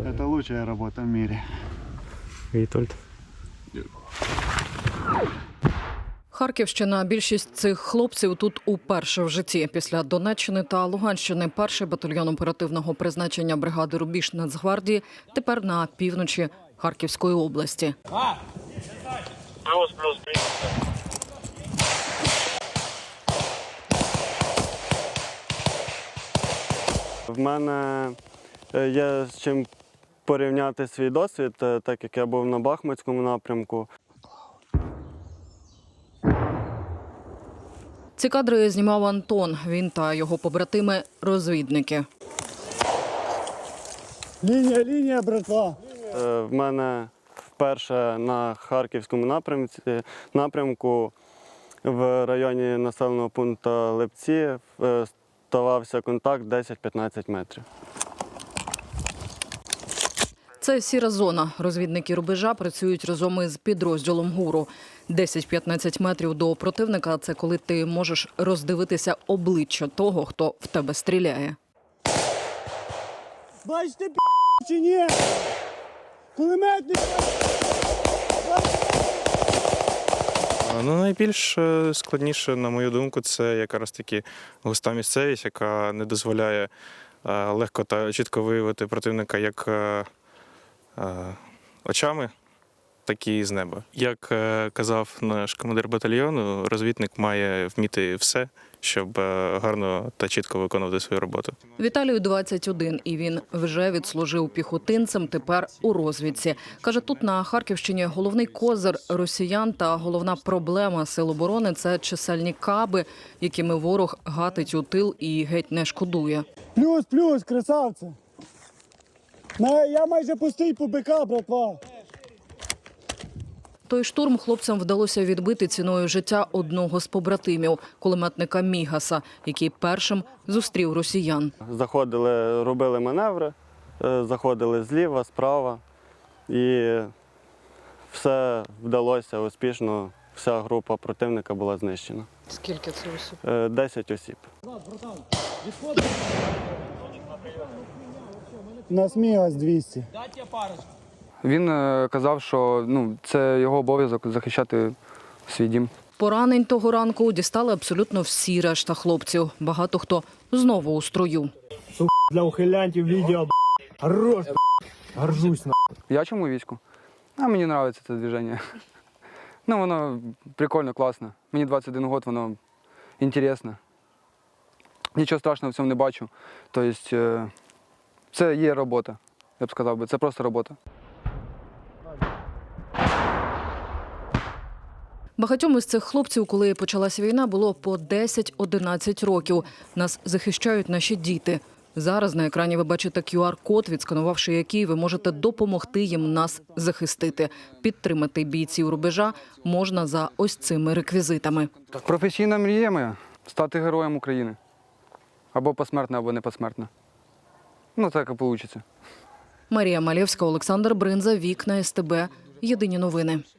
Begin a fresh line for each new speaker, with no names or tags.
Это лучшая работа в мире.
Вітольд.
Харківщина. Більшість цих хлопців тут уперше в житті. Після Донеччини та Луганщини перший батальйон оперативного призначення бригади «Рубіж» Нацгвардії тепер на півночі Харківської області.
Плюс.
В мене є з чим порівняти свій досвід, так як я був на Бахмутському напрямку.
Ці кадри знімав Антон. Він та його побратими – розвідники.
Лінія, братва.
В мене вперше на Харківському напрямку в районі населеного пункту Липці ставався контакт 10-15 метрів.
Це сіра зона. Розвідники «Рубежа» працюють разом із підрозділом ГУРу. 10-15 метрів до противника – це коли ти можеш роздивитися обличчя того, хто в тебе стріляє.
Бачите, чи ні? Кулеметник!
Найбільш складніше, на мою думку, це якраз таки густа місцевість, яка не дозволяє легко та чітко виявити противника як очами, так і з неба. Як казав наш командир батальйону, розвідник має вміти все, щоб гарно та чітко виконувати свою роботу.
Віталію 21, і він вже відслужив піхотинцем, тепер у розвідці. Каже, тут на Харківщині головний козир росіян та головна проблема сил оборони – це чисельні каби, якими ворог гатить у тил і геть не шкодує.
Плюс, красавці. Я майже пустий по БК, братва.
Той штурм хлопцям вдалося відбити ціною життя одного з побратимів – кулеметника Мігаса, який першим зустрів росіян.
Заходили, робили маневри, заходили зліва, справа, і все вдалося успішно. Вся група противника була знищена.
Скільки це осіб?
10 осіб.
У нас Мігас 200.
Він казав, що це його обов'язок захищати свій дім.
Поранень того ранку дістали абсолютно всі решта хлопців. Багато хто знову у строю.
Для ухилянтів відео, хорош, горжусь.
Я чому у війську? Мені подобається це движення. Воно прикольно, класно. Мені 21 год, воно інтересно. Нічого страшного в цьому не бачу. Тобто, це є робота, я б сказав би. Це просто робота.
Багатьом із цих хлопців, коли почалася війна, було по 10-11 років. Нас захищають наші діти. Зараз на екрані ви бачите QR-код, відсканувавши який, ви можете допомогти їм нас захистити. Підтримати бійців «Рубежа» можна за ось цими реквізитами.
Професійна мрія моя – стати героєм України. Або посмертно, або не посмертно. Так і вийде.
Марія Малєвська, Олександр Бринза, Вікна СТБ. Єдині новини.